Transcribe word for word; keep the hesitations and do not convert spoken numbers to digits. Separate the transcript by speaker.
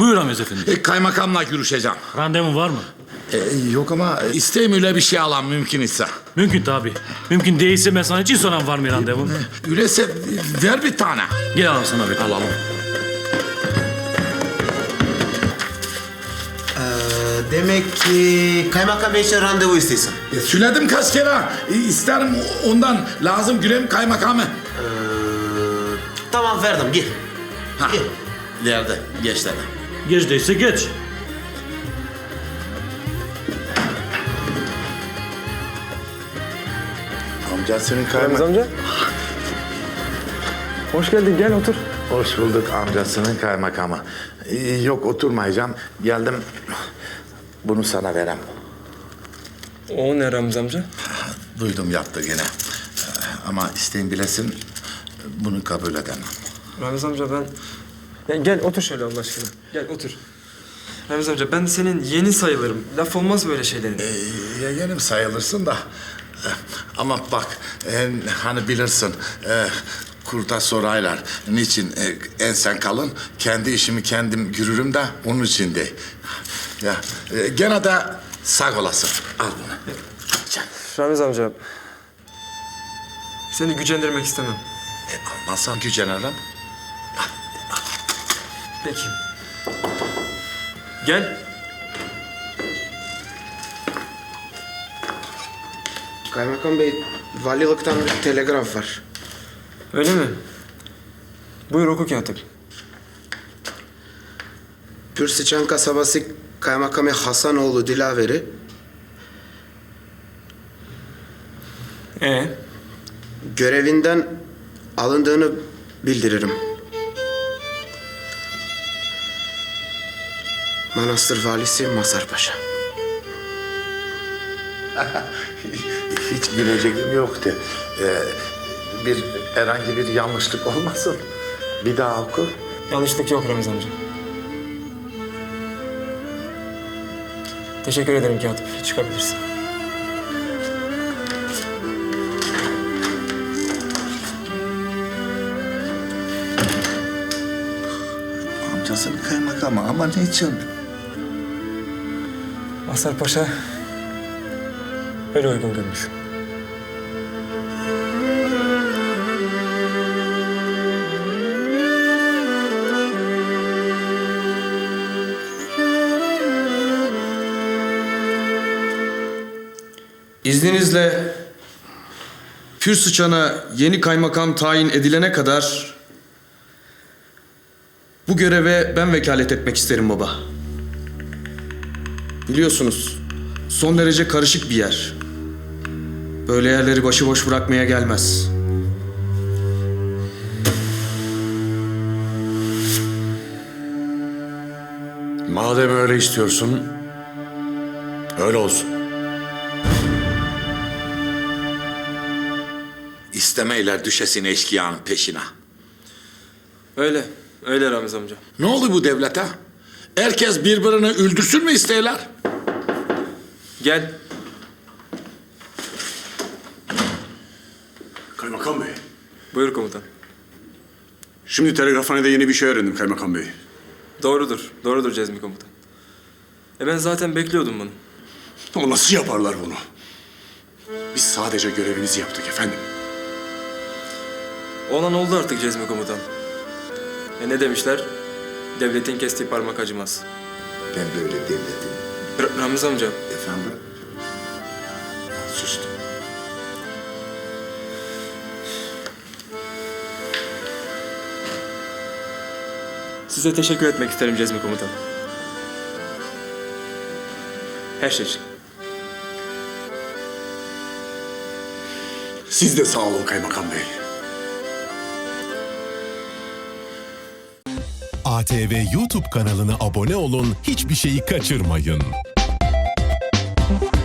Speaker 1: Buyur Ramiz Efendi.
Speaker 2: E, kaymakamla görüşeceğim.
Speaker 1: Randevun var mı?
Speaker 2: E, yok ama isteyim öyle bir şey alan mümkün ise.
Speaker 1: Mümkün tabii. Mümkün değilse ben sana için soran var mı randevun?
Speaker 2: Öyleyse ver bir tane.
Speaker 1: Gel alalım sana bir.
Speaker 2: Alalım.
Speaker 3: Ee, demek ki kaymakam bey için randevu istiyorsun.
Speaker 2: E, söyledim kaç kere. E, isterim ondan. Lazım göreyim kaymakamı.
Speaker 3: Ee, tamam verdim gir.
Speaker 2: Ha.
Speaker 3: Gir.
Speaker 2: İleride. Geç dedi.
Speaker 1: Geç değilse geç.
Speaker 2: Amca senin
Speaker 4: Ramiz
Speaker 2: kaymak...
Speaker 4: amca. Hoş geldin, gel otur.
Speaker 2: Hoş bulduk amcasının kaymakamı. E, yok oturmayacağım. Geldim. Bunu sana verem.
Speaker 4: O ne Ramiz amca?
Speaker 2: Duydum yaptı gene. Ama isteyin bilesin bunu kabul edemem.
Speaker 4: Ramiz amca ben... Ya gel otur şöyle Allah aşkına. Gel otur. Ramiz amca ben senin yeni sayılırım. Laf olmaz böyle şeylerin.
Speaker 2: Ee, yeğenim sayılırsın da. e, Ama bak e, hani bilirsin e, kurda soraylar. Niçin e, ensen kalın? Kendi işimi kendim görürüm de onun için de. Ya e, gene de sağ olasın. Al bunu. Can.
Speaker 4: Ramiz amca... Seni gücendirmek istemem.
Speaker 2: E, almazsan gücenirim.
Speaker 4: Peki. Gel.
Speaker 3: Kaymakam bey valilikten bir telegraf var.
Speaker 4: Öyle mi? Buyur oku katip.
Speaker 3: Pürsüçan kasabası kaymakamı Hasanoğlu Dilaveri
Speaker 4: Ee?
Speaker 3: görevinden alındığını bildiririm. Manastır valisi Mazhar Paşa.
Speaker 2: Hiç bileceğim yoktu. Ee, bir herhangi bir yanlışlık olmasın. Bir daha oku.
Speaker 4: Yanlışlık yok Ramiz amca. Teşekkür ederim katip. Çıkabilirsin.
Speaker 2: Amcasının kaymakamı ama niçin?
Speaker 4: Mazhar Paşa öyle uygun görmüş.
Speaker 5: İzninizle Pürsüçan'a yeni kaymakam tayin edilene kadar bu göreve ben vekalet etmek isterim baba. Biliyorsunuz son derece karışık bir yer. Böyle yerleri başıboş bırakmaya gelmez.
Speaker 6: Madem öyle istiyorsun, öyle olsun.
Speaker 2: İstemeyler düşesin eşkıyanın peşine.
Speaker 4: Öyle. Öyle Ramiz amca.
Speaker 2: Ne oldu bu devlete? Herkes birbirini öldürsün mü isteyler?
Speaker 4: Gel.
Speaker 6: Kaymakam Bey,
Speaker 4: Buyur komutan.
Speaker 6: şimdi telegrafhanede yeni bir şey öğrendim Kaymakam Bey.
Speaker 4: Doğrudur. Doğrudur Cezmi komutan. E ben zaten bekliyordum bunu.
Speaker 6: Ama nasıl yaparlar bunu? Biz sadece görevimizi yaptık efendim.
Speaker 4: Olan oldu artık Cezmi komutan. E ne demişler? Devletin kestiği parmak acımaz.
Speaker 2: Ben böyle devletim.
Speaker 4: R- Ramiz amca,
Speaker 2: Efendim? Sustum.
Speaker 4: size teşekkür etmek isterim Cezmi komutan. Her şey için.
Speaker 6: Siz de sağ olun Kaymakam Bey.
Speaker 7: A T V YouTube kanalına abone olun, hiçbir şeyi kaçırmayın.